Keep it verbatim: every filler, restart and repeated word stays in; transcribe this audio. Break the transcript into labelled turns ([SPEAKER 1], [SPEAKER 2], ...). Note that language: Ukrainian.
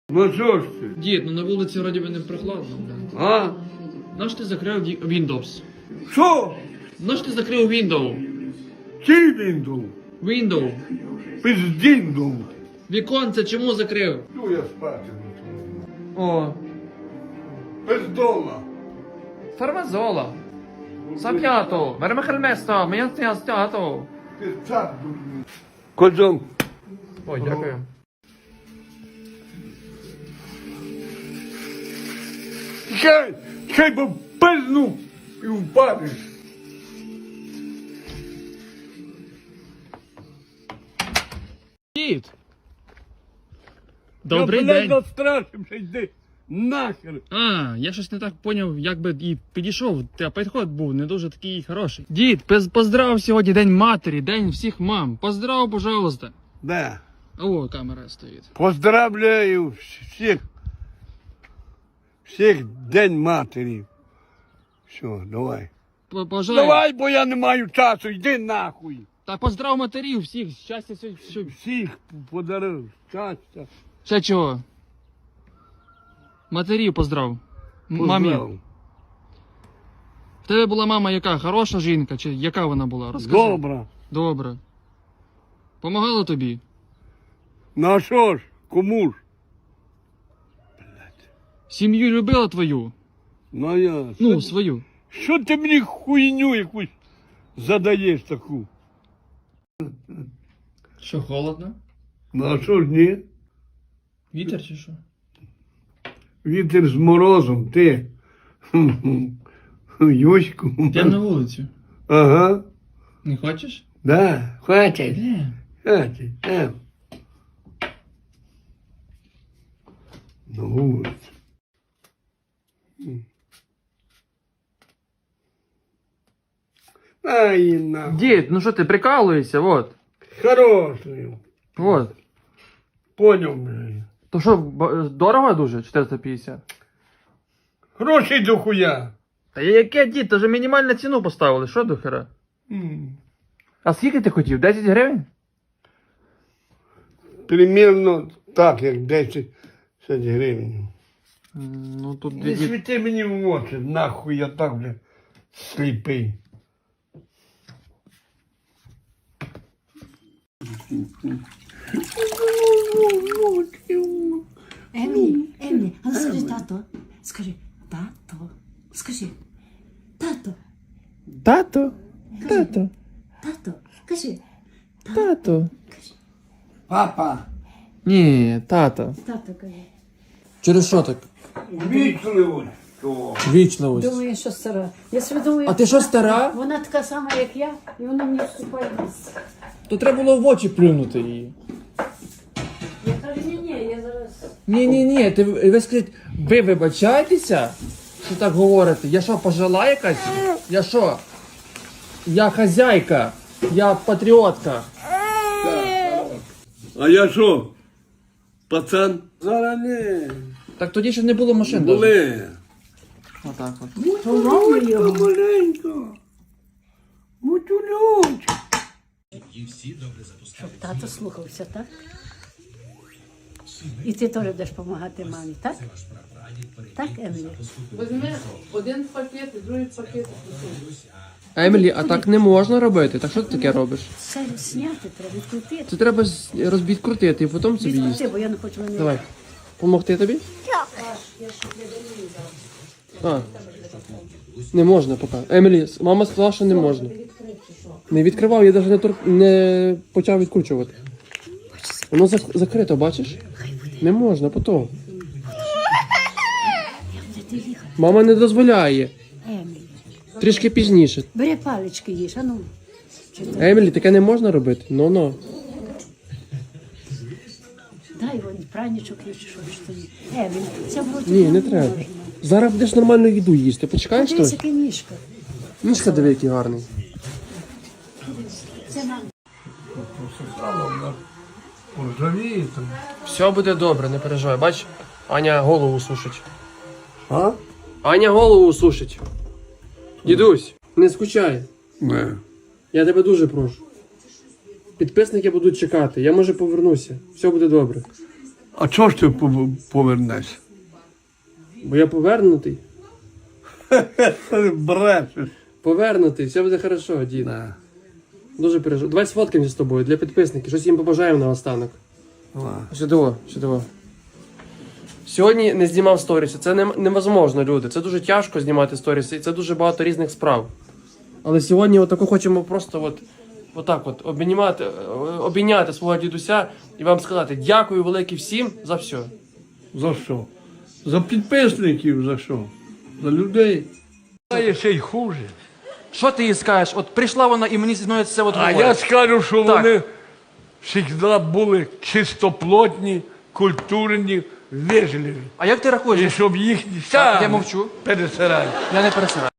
[SPEAKER 1] Ну що ж ти?
[SPEAKER 2] Дід, ну на вулиці вроді би не прохладно, бля.
[SPEAKER 1] А?
[SPEAKER 2] Наш ти закрив ді- Windows?
[SPEAKER 1] Що?
[SPEAKER 2] Наш ти закрив Windows?
[SPEAKER 1] Чий він дув?
[SPEAKER 2] Windows.
[SPEAKER 1] Пиздін дув.
[SPEAKER 2] Віконце чому закрив?
[SPEAKER 1] Ну я спати.
[SPEAKER 2] О,
[SPEAKER 1] Пиздола.
[SPEAKER 2] фармазола. Сап'ято, вермехельместо, мене стято.
[SPEAKER 1] Пиздак дурний. Козом.
[SPEAKER 2] Ой, дякую.
[SPEAKER 1] Чай, чай бо пизну і впадеш.
[SPEAKER 2] Дід. Добрий
[SPEAKER 1] Я, блядь,
[SPEAKER 2] день.
[SPEAKER 1] настрашився, йди нахер.
[SPEAKER 2] А, я щось не так поняв, як би і підійшов, та підход був не дуже такий хороший. Дід, пиз- поздрав сьогодні День матері, День всіх мам. Поздрав, пожалуйста.
[SPEAKER 1] Да.
[SPEAKER 2] О, камера стоїть.
[SPEAKER 1] Поздравляю всіх. Всіх День матері. Все, давай.
[SPEAKER 2] П- Бажаю.
[SPEAKER 1] Давай, бо я не маю часу, йди нахуй.
[SPEAKER 2] Та поздрав матерів всіх, щастя, все, все.
[SPEAKER 1] Всіх подарив щастя.
[SPEAKER 2] Ще чого? Матерів поздрав. М- Мамі.
[SPEAKER 1] Поздрав.
[SPEAKER 2] В тебе була мама яка? Хороша жінка? Чи яка вона була? Розкажи.
[SPEAKER 1] Добре.
[SPEAKER 2] Добре. Помагала тобі?
[SPEAKER 1] Ну а що ж, кому ж?
[SPEAKER 2] Сім'ю любила твою?
[SPEAKER 1] Ну а я.
[SPEAKER 2] Ну,
[SPEAKER 1] що,
[SPEAKER 2] свою.
[SPEAKER 1] що ти мені хуйню якусь задаєш таку?
[SPEAKER 2] Що, холодно?
[SPEAKER 1] Ну а що ж ні?
[SPEAKER 2] Вітер чи що?
[SPEAKER 1] Вітер з морозом, ти. Юську.
[SPEAKER 2] Йдемо на вулицю.
[SPEAKER 1] Ага.
[SPEAKER 2] Не хочеш?
[SPEAKER 1] Да, хватить.
[SPEAKER 2] Де?
[SPEAKER 1] Хватить. Там. На вулицю. Ай, нахуй.
[SPEAKER 2] Дід, ну що ти прикалуєшся, вот.
[SPEAKER 1] Хороший.
[SPEAKER 2] Вот.
[SPEAKER 1] Понял, блядь.
[SPEAKER 2] То що, б- дорого дуже? чотириста п'ятдесят?
[SPEAKER 1] Грошей до хуя.
[SPEAKER 2] Та яке, дід, то вже мінімальну ціну поставили, що до хера?
[SPEAKER 1] М.
[SPEAKER 2] А скільки ти хотів? десять гривень?
[SPEAKER 1] Примірно так, як десять гривень.
[SPEAKER 2] Ну тут
[SPEAKER 1] Не
[SPEAKER 2] дід.
[SPEAKER 1] світи мені в очі, нахуй я так вже сліпий.
[SPEAKER 3] Емілі, Емілі, а ну скажи тато. Скажи, тато. Скажи, тато,
[SPEAKER 2] Тато, тато,
[SPEAKER 3] тато. Кажи,
[SPEAKER 2] тато.
[SPEAKER 1] Папа,
[SPEAKER 2] Ні, тато.
[SPEAKER 3] тато кажи.
[SPEAKER 2] Через що так?
[SPEAKER 1] вічливо.
[SPEAKER 2] Вічливість.
[SPEAKER 3] Думаю, що стара. Я собі думаю,
[SPEAKER 2] А ти що, стара?
[SPEAKER 3] вона така сама, як я, і вона мені вступає в ліс.
[SPEAKER 2] То треба було в очі плюнути її.
[SPEAKER 3] Я кажу, ні, ні, я зараз.
[SPEAKER 2] Ні, ні, ні, ти ви скажіть, ви вибачаєтеся, що так говорите? Я що, пожила якась? Я що? Я хазяйка, я патріотка.
[SPEAKER 1] А я що? Пацан? Зараз не.
[SPEAKER 2] Так тоді ще не було машин. даже.
[SPEAKER 1] Були.
[SPEAKER 2] Отак от.
[SPEAKER 1] Маленько, маленько. Мутюльончик.
[SPEAKER 3] Щоб тато слухався, так? І ти теж будеш допомагати мамі, так? Так, Емілі?
[SPEAKER 2] Візьми один пакет і другий пакет. Емілі, а так не можна робити. Так що ти таке робиш?
[SPEAKER 3] Це зняти треба, відкрутити.
[SPEAKER 2] Це треба розбідкрутити і потім собі їсти.
[SPEAKER 3] Відкрути, бо я не хочу мене.
[SPEAKER 2] Давай. Помогти тобі? А. Не можна поки. Емілі, мама сказала, що не можна. Не відкривав, я навіть не, тур... не почав відкручувати. Воно зак- закрито, бачиш? Не можна, потім.
[SPEAKER 3] Ти ліха.
[SPEAKER 2] Мама не дозволяє.
[SPEAKER 3] Емілі.
[SPEAKER 2] Трішки пізніше.
[SPEAKER 3] Бери палички їж, а ну. Чи ти-
[SPEAKER 2] Емілі, таке не можна робити. Ну-ну.
[SPEAKER 3] Дай вон пранічок є, чи що ж тобі. Емілі, це вроді
[SPEAKER 2] Ні, не
[SPEAKER 3] можна.
[SPEAKER 2] треба. Зараз будеш нормальну їду їсти. Почекаєш
[SPEAKER 3] Подивись,
[SPEAKER 2] щось?
[SPEAKER 3] яка ніжка.
[SPEAKER 2] Мішка диви, який гарний.
[SPEAKER 3] Це нам.
[SPEAKER 1] Поржавіє там.
[SPEAKER 2] Все буде добре, не переживай. Бач, Аня голову сушить.
[SPEAKER 1] А?
[SPEAKER 2] Аня голову сушить. Дідусь, не скучай.
[SPEAKER 1] Не.
[SPEAKER 2] Я тебе дуже прошу. Підписники будуть чекати. Я може повернуся. Все буде добре.
[SPEAKER 1] А чого ж ти пов- повернешся?
[SPEAKER 2] Бо я повернутий.
[SPEAKER 1] Ти брешеш.
[SPEAKER 2] Повернутий, все буде хорошо, дід. Дуже переживаю. Давай сфоткаємося з тобою для підписників. Щось їм побажаємо наостанок. Сюди, сюди. Сьогодні не знімав сторіси. Це не- невозможно, люди. Це дуже тяжко знімати сторіси, і це дуже багато різних справ. Але сьогодні отако хочемо просто от, отак от обійняти, обійняти свого дідуся і вам сказати дякую велике всім за все.
[SPEAKER 1] За що? За підписників за що? За людей. А є ще й хуже.
[SPEAKER 4] Що ти їй скажеш? От прийшла вона і мені зі мною це от
[SPEAKER 1] А
[SPEAKER 4] говорить.
[SPEAKER 1] я скажу, що
[SPEAKER 4] Так.
[SPEAKER 1] вони завжди були чистоплотні, культурні, вежливі.
[SPEAKER 4] А як ти рахуєш?
[SPEAKER 1] І щоб їхні
[SPEAKER 4] Так, я
[SPEAKER 1] саме
[SPEAKER 4] мовчу.
[SPEAKER 1] пересирали.
[SPEAKER 4] Я не пересираю.